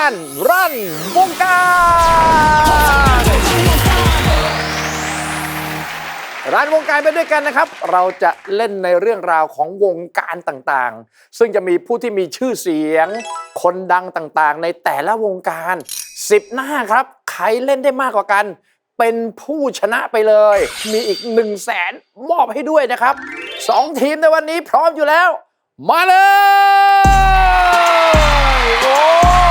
การรันวงการรันวงการไปด้วยกันนะครับเราจะเล่นในเรื่องราวของวงการต่างๆซึ่งจะมีผู้ที่มีชื่อเสียงคนดังต่างๆในแต่ละวงการ10 หน้าครับใครเล่นได้มากกว่ากันเป็นผู้ชนะไปเลยมีอีก100,000มอบให้ด้วยนะครับ2 ทีมในวันนี้พร้อมอยู่แล้วมาเลยโอ้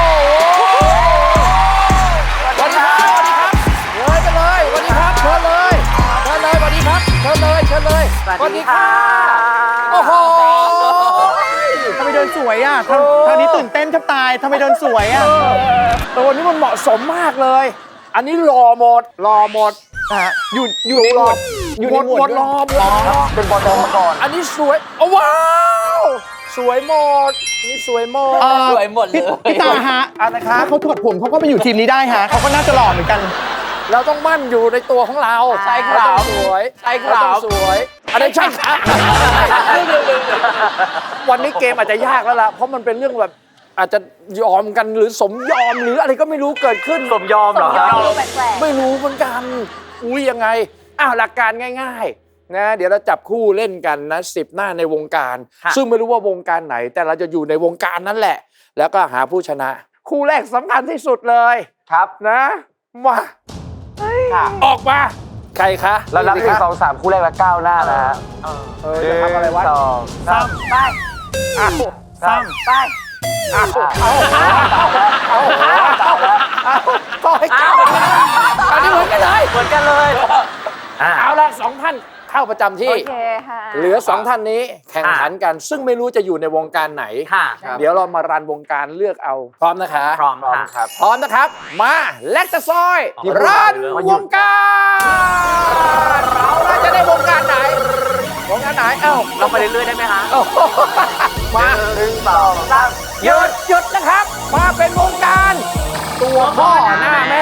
สวัสดีครับเลยไปเลยสวัสดีครับเชิญเลยสวัสดีครับเชิญเลยสวัสดีค่ะโอ้โหทำไมเดินสวยอ่ะทางนี้ตื่นเต้นแทบตายทำไมเดินสวยอ่ะตัวนี้มันเหมาะสมมากเลยอันนี้หล่อหมดอยู่ในหมดอยู่ในหมดรอหมดเป็นบอลมาก่อนอันนี้สวยว้าวสวยหมดนี่สวยหมดสวยหมดเลยพี่ตาฮะนะครับเขาถอดผมเขาก็ไปอยู่ทีมนี้ได้ฮะเขาก็น่าจะหล่อเหมือนกันเราต้องมั่นอยู่ในตัวของเราใช่ครับสวยใช่ครับสวยอันนี้ใช่ครับวันนี้เกมอาจจะยากแล้วล่ะเพราะมันเป็นเรื่องแบบอาจจะยอมกันหรือสมยอมหรืออะไรก็ไม่รู้เกิดขึ้นสมยอมเหรอครับไม่รู้เหมือนกันยังไงหลักการง่ายๆนะเดี๋ยวเราจับคู่เล่นกันนะ10 หน้าในวงการซึ่งไม่รู้ว่าวงการไหนแต่เราจะอยู่ในวงการนั้นแหละแล้วก็หาผู้ชนะคู่แรกสำคัญที่สุดเลยครับนะมาออกมาใครคะเรานับ1 2 3คู่แรกแล้ว9 หน้านะฮะจะทำอะไรวะ 2 3ไป 3ไปก็ให้ก้าวอันนี้เหมือนกันเลยเอาละ2 ท่านเข้าประจำที่เหลือ2 ท่านนี้แข่งขันกันซึ่งไม่รู้จะอยู่ในวงการไหนเดี๋ยวเรามารันวงการเลือกเอาพร้อมนะคะพร้อมครับพร้อมนะครับมาแลกตะซอยรันวงการเราจะได้วงการไหนเราไปเรื่อยๆได้ไหมฮะมา 1 2 3 หยุดนะครับมาเป็นวงการตัวพ่อหน้าแม่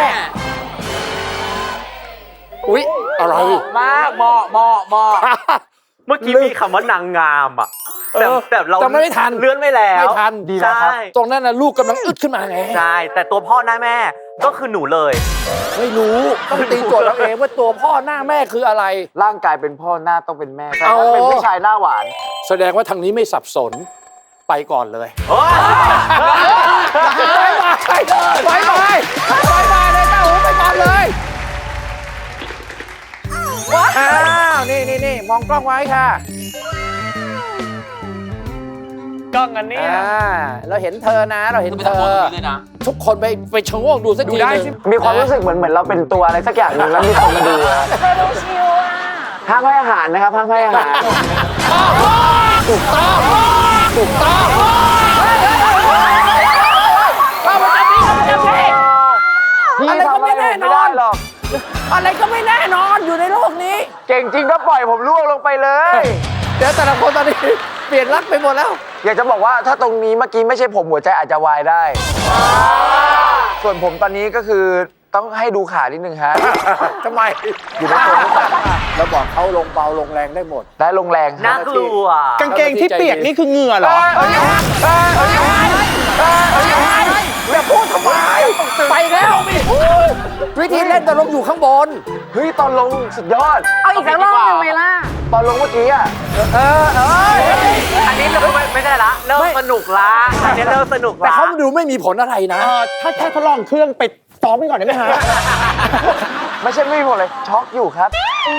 อุ๊ยอะไรมากเหมาะเมื่อกี้มีคำว่านางงามอ่ะแต่เราจำไม่ทันเลื่อนไม่แล้วไม่ทันดีแล้วครับตรงนั้นน่ะลูกกำลังอึดขึ้นมาไงใช่แต่ตัวพ่อหน้าแม่ก็คือหนูเลยไม่รู้ต้องตีโจทย์เราเองว่าตัวพ่อหน้าแม่คืออะไรร่างกายเป็นพ่อหน้าต้องเป็นแม่แต่ถ้าเป็นผู้ชายหน้าหวานแสดงว่าทางนี้ไม่สับสนไปก่อนเลยไปเลยเต้าหูไปก่อนเลยนี่มองกล้องไว้ค่ะกล้องอันนี้เราเห็นเธอนะทุกคนไปชะโงกดูสักทีนึงมีความรู้สึกเหมือนเราเป็นตัวอะไรสักอย่างนึงแล้วมีคนมาดูดูชิวอ่ะห้ามให้อาหารนะครับห้ามให้อาหารถูกต้องเข้ามาจับพี่อะไรก็ไม่แน่นอนอะไรก็ไม่แน่นอนอยู่ในโลกนี้เก่งจริงก็ปล่อยผมล่วงลงไปเลยเดี๋ยวแต่ละคนตอนนี้เปลี่ยนรักไปหมดแล้วอยากจะบอกว่าถ้าตรงนี้เมื่อกี้ไม่ใช่ผมหัวใจอาจจะวายได้ส่วนผมตอนนี้ก็คือต้องให้ดูขานิดนึงฮะทำไมอยู่ในตัวเราบอกเขาลงเบาลงแรงได้หมดได้ลงแรงน่ากลัวกางเกงที่เปียกนี่คือเหงื่อเหรออย่าพูดทำไมไปแล้ววิธีเล่นแต่ลงอยู่ข้างบนเฮ้ยตอนลงสุดยอดเอาอีกสักรอบหนึ่งไหมล่ะตอนลงเมื่อกี้อ่ะอันนี้เราไม่ได้ละเริ่มสนุกละอันนี้เริ่มสนุกละแต่เขาดูไม่มีผลอะไรนะถ้าแค่ทดลองเครื่องไปซ้อมกันก่อนได้ไหมฮะไม่ใช่ไม่มีผลเลยช็อกอยู่ครับ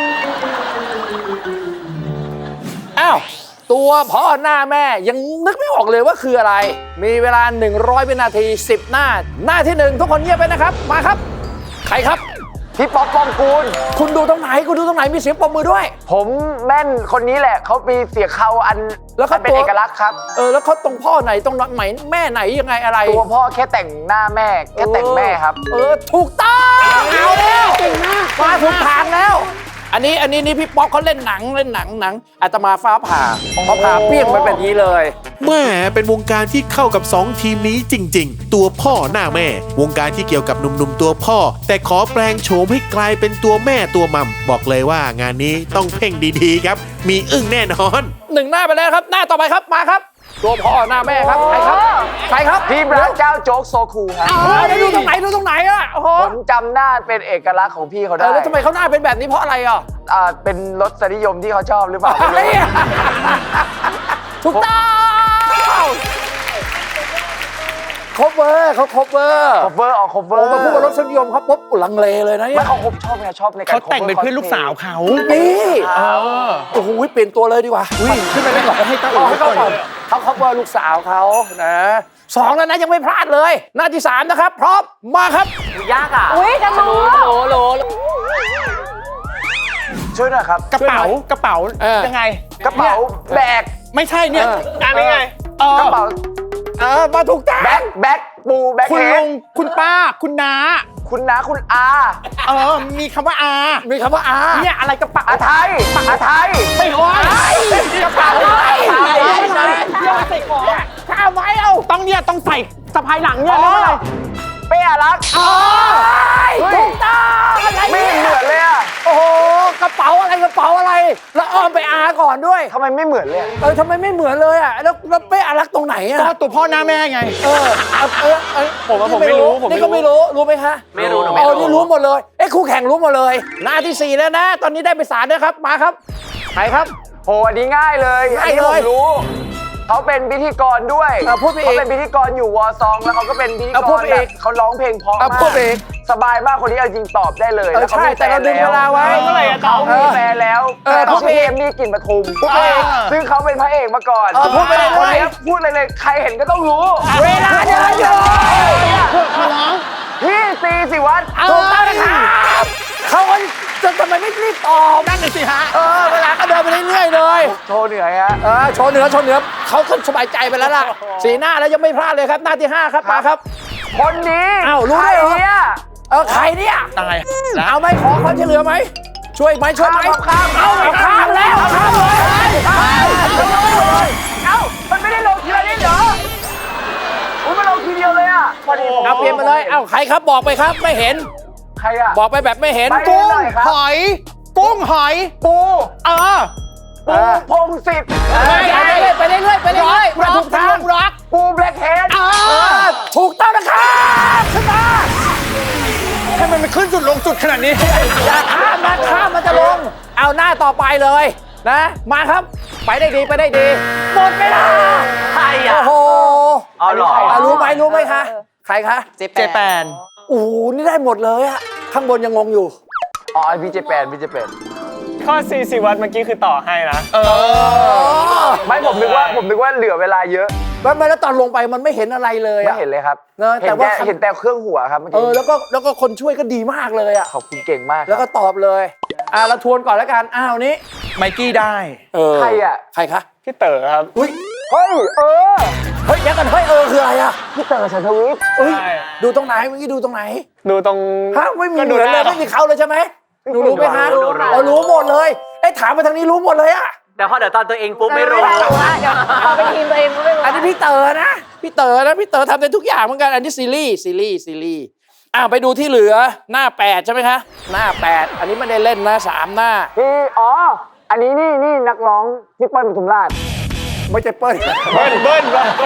อ้าวตัวพ่อหน้าแม่ยังนึกไม่ออกเลยว่าคืออะไรมีเวลา100 วินาที10 หน้าที่1ทุกคนเงียบไปนะครับมาครับใครครับพี่ป๊อปปองกูลคุณดูตรงไหนมีเสียงปรบมือด้วยผมแม่นคนนี้แหละเขามีเสียงเขาอันแล้วเขาเป็นเอกลักษณ์ครับแล้วเขาตรงพ่อไหนตรงไหนแม่ไหนยังไงอะไรตัวพ่อแค่แต่งหน้าแม่แค่แต่งแม่ครับถูกต้องเอาแล้วมาถูกทางแล้วอันนี้นี่พี่ป๊อกเขาเล่นหนังอาตมาฟ้าผ่าเปี้ยงไปแบบนี้เลยแม่เป็นวงการที่เข้ากับ2 ทีมนี้จริงๆตัวพ่อหน้าแม่วงการที่เกี่ยวกับหนุ่มๆตัวพ่อแต่ขอแปลงโฉมให้กลายเป็นตัวแม่ตัวมัมบอกเลยว่างานนี้ต้องเพ่งดีๆครับมีอึ้งแน่นอน 1 หน้าไปแล้วครับหน้าต่อไปครับมาครับตัวพ่อหน้าแม่ครับใครครับใครครับพี่พระเจ้าโจ๊กโซคูครับได้ดูตรงไหนดูตรงไหนอ่ะโอ้โหผมจำหน้าเป็นเอกลักษณ์ของพี่เขาได้แล้วทำไมเขาหน้าเป็นแบบนี้เพราะอะไรอ่ะเป็นรสนิยมที่เขาชอบหรือเปล่าอะไรอ่ะถูกต้องคบเวอร์เขาคบเวอร์คอฟเวอร์ออกคอฟเวอโอ้ร์มาพูดว่ารสนิยมครับปุ๊บลังเลเลยนะเนี่ไม่ยเขาชอบไงชอบในการเขาแต่งเป็นเพื่อนลูกสาวเขานี่โอ้โหเปลี่ยนตัวเลยดีกว่าขึ้นไปได้ก่อนให้ตั้งให้เขาก่อนเขาคบเวอร์ลูกสาวเขานะ2แล้วนะยังไม่พลาดเลย หน้าที่ 3 นะครับ พร้อมมาครับยากอ่ะอุ้ยจะรู้โหลช่วยหน่อยครับกระเป๋ายังไงกระเป๋าแบกไม่ใช่เนี่ยอันนี้ไงเออกระเป๋ามาถูกทางแบ็คปูแบ็คคุณเฮลุดงคุณป้าคุณน้าคุณน้าคุณอามีคำว่าอามีคำว่าอาเนี่ยอะไรกระเป๋าอาไทยอาไทยไม่โอ้ยกระเป๋าอะไรใส่ของข้าไว้เอาต้องใส่สะพายหลังเนี่ยอ๋อเรียกว่าอะไรเป้อารักถูกต้องอะไรไม่เนี่ยเหมือนเลยอะโอ้โหกระเป๋าอะไรแล้วอ้อมไปอาก่อนด้วยทำไมไม่เหมือนเลยอะทำไมไม่เหมือนเลยอ่ะแล้วเป้อารักตรงไหนอ่ะก็ตัวพ่อหน้าแม่ไงผมไม่รู้นี่ก็ไม่รู้ไหมคะไม่รู้หนูอ๋ไม่อรู้นี่รู้หมดเลยคู่แข่งรู้หมดเลย หน้าที่ 4 แล้วนะ ตอนนี้ได้ไป3ด้วยครับมาครับใครครับโหอันนี้ง่ายเลยง่ายเลยอันนี้ผมรู้เขาเป็นพิธีกรด้วยพูดไปอีกเขาเป็นพิธีกรอยู่วอซองแล้วเขาก็เป็นพิธีกพูดรไปแบอีบกเขาร้องเพลงเพราะพูมาดไปอีกกสบายมากคนนี้เอาจริงตอบได้เลยแล้วเขาใช่มีแฟแต่เรานดึงเวลาไว้เขามีแฟนแล้วพูดเขาไปชื่ออีกเอมมี่กลิ่นปทุมพูดไปอีกซึ่งเขาเป็นพระเอกมาก่อนพูดไปเลยคนนี้พูดเลยใครเห็นก็ต้องรู้เวลาเดินอยู่พี่ซีสิวัตรถูกต้องนะครับเขาจะทำไมไม่รีบตอบนั่นน่ะสิฮะเวลาก็เดินไปเรื่อยๆเลยโชว์เหนื่อยฮะโชว์เหนือเขาสบายใจไปแล้วล่ะสีหน้าแล้วยังไม่พลาดเลยครับหน้าที่ 5 ครับมาครับคนนี้อ้าวรู้ใครด้วยเหรอเนี่ยใครเนี่ยตายแล้วเอาไหมขอเขาจะเหลือไหมช่วยไหมช่วยไหมข้ามเอาข้ามแล้วข้ามเลยเอ้ามันไม่ได้ลงทีละนิดเหรออุ้ยมันลงทีเดียวเลยอ่ะพอดีผมเอาเปลี่ยนมาเลยเอาใครครับบอกไปครับไม่เห็นใครอ่ะบอกไปแบบไม่เห็นไปกุ้งหน่อยครับหอย กุ้งหอยปูเออปูพงศิษฐ์ไปเรื่อยมาถูกทางร็อกปูแบล็คเฮดถูกต้องนะครับขึ้นมาทำไมมันขึ้นจุดลงจุดขนาดนี้อย่าข้ามมันจะลง เอาหน้าต่อไปเลยนะมาครับไปได้ดีหมดเวลาใครอ่ะโอ้โหอ๋อเหรอรู้ไหมคะใครคะเจแปนโอ้โหนี่ได้หมดเลยอะข้างบนยังงงอยู่อ๋อพี่เจแปนข้อ4สิวัตรเมื่อกี้คือต่อให้นะไม่ผมนึกว่าเหลือเวลาเยอะแล้วตอนลงไปมันไม่เห็นอะไรเลยไม่อะเห็นเลยครับเนอะแต่ว่าเห็นแต่เครื่องหัวครับเมื่อกี้แล้วก็คนช่วยก็ดีมากเลยอะขอบคุณเก่งมากแล้วก็ตอบเลยเราทวนก่อนแล้วกันนี้ไมกี้ได้ใครอ่ะใครคะพี่เต๋อครับอุ้ยเฮ้ยเฮ้ยเดี๋ยวกันคืออะไรอะพี่เต๋อชันทวิทย์เอ้ยใช่ดูตรงไหนเมื่อกี้ดูตรงไหนดูตรงไม่มีก็เหดูมือนเลยได้ไม่มีเขาเลยใช่ไหมหนูรู้ไหมคะรู้รู้หมดเลยถามมาทางนี้รู้หมดเลยอะแต่พอเดี๋ยวตอนตัวเองปุ๊บไม่รู้เดี๋ยวพอเป็นทีมตัวเองก็ไม่รู้อันนี้พี่เต๋อนะพี่เต๋อทำได้ทุกอย่างเหมือนกันอันนี้ซีรีส์ไปดูที่เหลือหน้า8ใช่ไหมคะหน้า8อันนี้ไม่ได้เล่นนะ3หน้าพี่อันนี้นี่นักร้องพี่เปิ้ลปทุมราชไม่ใช่เปิ้ลเบิ้ล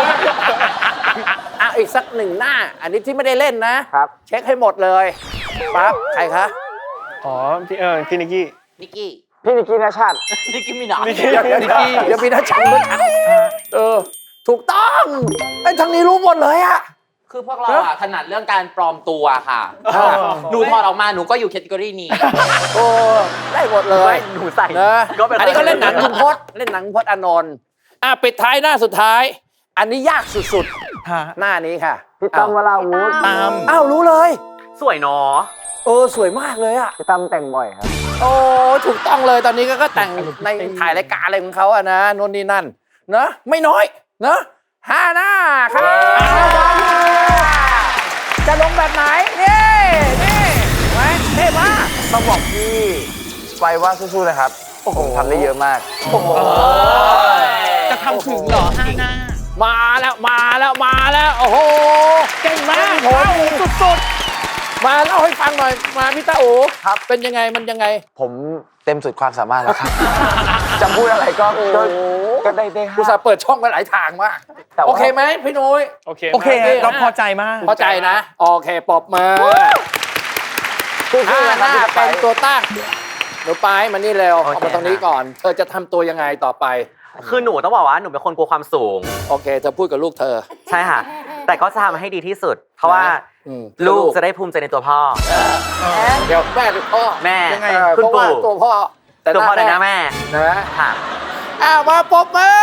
อีกสัก1หน้า อันนี้ที่ไม่ได้เล่นนะครับ เช็คให้หมดเลยปั๊บใครคะอ๋อพี่นิกกี้นิกกี้พี่นิกกี้นชัดนิกกี้มีหนามนิกกี้อย่ามีนะชังด้วยถูกต้องทางนี้รู้หมดเลยอะคือพวกเราอะถนัดเรื่องการปลอมตัวค่ะ หนูถอดออกมาหนูก็อยู่แคตตากรีนี้โอ้ได้หมดเลยหนูใส่นะก็เป็นอันนี้ก็เล่นหนังคุณพจน์เล่นหนังพจน์อานนท์ปิดท้ายหน้าสุดท้าย อันนี้ยากสุดๆหน้านี้ค่ะพี่ตั้มวราวุธตามรู้เลยสวยเนาะสวยมากเลยอะพี่ตั้มแต่งบ่อยครับโอ้ถูกต้องเลยตอนนี้ก็แต่งในถ่ายรายการอะไรของเขาอะนะโน่นนี่นั่นนะไม่น้อยนะ5หน้าครับจะลงแบบไหนนี่ไหมเท่มากต้องบอกพี่ไปว่าสู้ๆนะครับผมทำได้เยอะมากจะทำถึงเหรอ5หน้ามาแล้วโอ้โหเก่งมากสุดๆมาเล่าให้ฟังหน่อยมาพี่ตาโอครับเป็นยังไงมันยังไงผมเต็มสุดความสามารถแล้วครับจะพูดอะไรก็ได้ห้าอุตส่าห์เปิดช่องไว้หลายทางมากแต่ว่าโอเคไหมพี่นุ้ยโอเคโอเคโอเคเราพอใจมากพอใจนะ โอเคปรบมือคู่หๆนะครับน้าพี่สไปเป็นร์ตัวตั้งหนูไปมานี่เร็วโอเคเอามาตรงนี้ก่อน เธอจะทำตัวยังไงต่อไปคือหนูต้องบอกว่าหนูเป็นคนกลัวความสูงโอเคเธอพูดกับลูกเธอใช่ค่ะ แต่ก็จะทำให้ดีที่สุด เพราะว่าอืมลูกจะได้ภูมิใจในตัวพ่อเดี๋ยวแม่หรือพ่อแม่ยังไงคุณเพราะว่าปู่ตัวพ่อตัวพ่อในหน้าแม่นะค่ะมาปรบมือ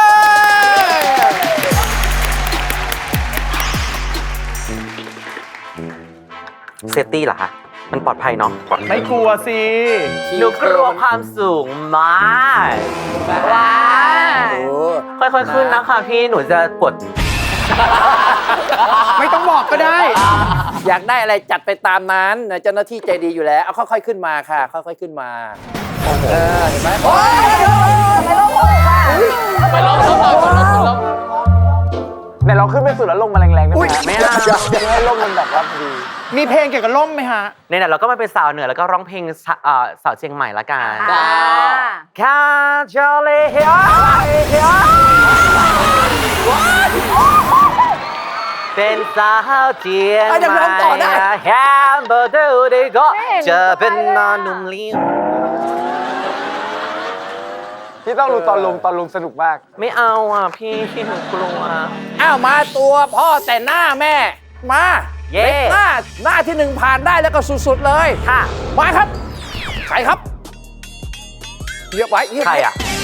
เซฟตี้เหรอคะ มันปลอดภัยเนาะไม่กลัวสิหนูกลัวความสูงมากว้าโอ้ค่อยๆขึ้นนะคะพี่หนูจะปวดไม่ต้องบอกก็ได้อยากได้อะไรจัดไปตามนั้นนะเจ้าหน้าที่ใจดีอยู่แล้ว เอาค่อยๆขึ้นมาค่ะ ค่อยๆขึ้นมาเห็นไหมโอ้ยไปลองทดสอบก่อนลองไหนลองขึ้นไปสุดแล้วลงมาแรงๆได้ไหมฮะไม่เอาให้ลมมันแบบว่าพอดีมีเพลงเกี่ยวกับล่มไหมฮะเนี่ยเราก็มาเป็นสาวเหนือแล้วก็ร้องเพลงสาวเชียงใหม่ละกันอ่าแค่เจอเลยเป็นสาวเชียงใหม่แฮมเบอร์เดอร์ได้ก็จะเป็นนอนนุ่มลิ้วพี่ต้องรู้ตอนลงสนุกมากไม่เอาอ่ะพี่หนูกลัวอ้าวมาตัวพ่อแต่หน้าแม่ มาเย้เด็กหน้าที่หนึ่งผ่านได้แล้วก็สุดๆเลยค่ะมาครับ ใครครับเรียกไว้เรียกใครไว้อ่ะ